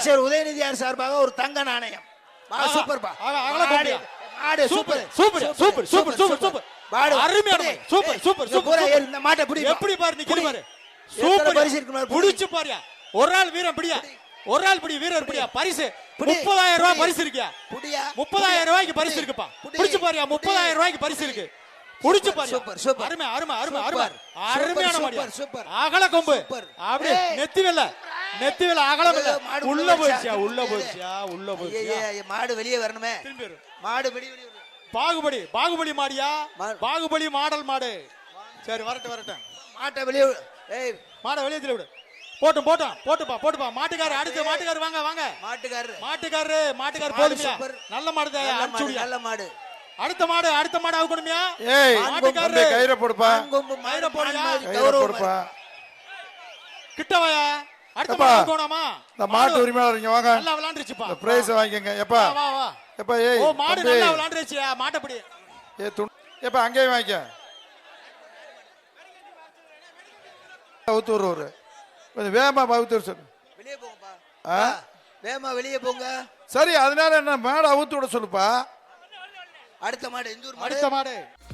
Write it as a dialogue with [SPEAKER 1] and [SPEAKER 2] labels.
[SPEAKER 1] அமைச்சர் உதயநிதியார் சார்பாக ஒரு தங்க நாணயம். சூப்பர்பா.
[SPEAKER 2] மாடு super super super super super super.
[SPEAKER 1] மாடு
[SPEAKER 2] அருமையான சூப்பர் சூப்பர் சூப்பர்.
[SPEAKER 1] இந்த மாட்டை பிடி.
[SPEAKER 2] எப்படி பாரு நிக்கிற பாரு. சூப்பர்
[SPEAKER 1] பரிசு இருக்கு.
[SPEAKER 2] புடிச்சு பாருயா. ஒரு ஆள் வீரன் பிடியா. ஒரு ஆள் பிடி வீரர் பிடியா. பரிசு 30000 ரூபாய் பரிசு இருக்குயா.
[SPEAKER 1] புடியா.
[SPEAKER 2] 30000 ரூபாய்க்கு பரிசு இருக்குப்பா. புடிச்சு பாருயா. 30000 ரூபாய்க்கு பரிசு இருக்கு. புடிச்சு பாரு.
[SPEAKER 1] Super super.
[SPEAKER 2] அருமை அருமை அருமை அருமை. அருமையான மாடு.
[SPEAKER 1] சூப்பர்.
[SPEAKER 2] அகல கொம்பு. அப்படியே நெத்தி வெல்ல அகலம் இல்ல. உள்ள போயிடுச்சா உள்ள போயிடுச்சா உள்ள போயிடுச்சா.
[SPEAKER 1] மாடு வெளியே வரணுமே. மாடு வெளியே
[SPEAKER 2] பாகுபலி மாடியா. பாகுபலி மாடல் மாடு. சரி வரட்டும்.
[SPEAKER 1] மாட்டை வெளியே. ஏய்
[SPEAKER 2] மாடை வெளியே தள்ளி விடு. போட்டுப்பா. மாட்டுக்காரர் அடுத்து மாட்டுக்காரர் வாங்க. மாட்டுக்காரர் போடுமியா. நல்ல மாடு தான்.
[SPEAKER 1] நல்ல மாடு.
[SPEAKER 2] அடுத்த மாடு அவுக்கணுமியா.
[SPEAKER 3] ஏய் மாட்டுக்காரர் கயிற போடுப்பா.
[SPEAKER 2] கயிற போடுயா.
[SPEAKER 3] போடுப்பா.
[SPEAKER 2] கிட்ட வாயா. அடுத்த மாடு அவுக்கணுமா.
[SPEAKER 3] இந்த மாட்டு உரிமையாளர் இங்க வாங்க.
[SPEAKER 2] நல்லா விளையாண்டுச்சுப்பா.
[SPEAKER 3] இந்த பிரைஸ் வாங்கிங்க. எப்பா
[SPEAKER 2] வா.
[SPEAKER 3] எப்பா ஏய்
[SPEAKER 2] ஓ மாடு நல்லா விளையாண்டுச்சுயா. மாட்டப்படி.
[SPEAKER 3] எப்பா அங்கேயே வாங்கிக்க. அவுத்தூர் கொஞ்சம் வேகமா அவுத்தூர் சொல்லு.
[SPEAKER 1] வெளியே போங்கப்பா. வேகமா வெளியே போங்க.
[SPEAKER 3] சரி அதனால என்ன மாடு அவுத்து விட சொல்லுப்பா.
[SPEAKER 1] அடுத்த மாடு எந்த ஊர்?
[SPEAKER 2] அடுத்த மாடு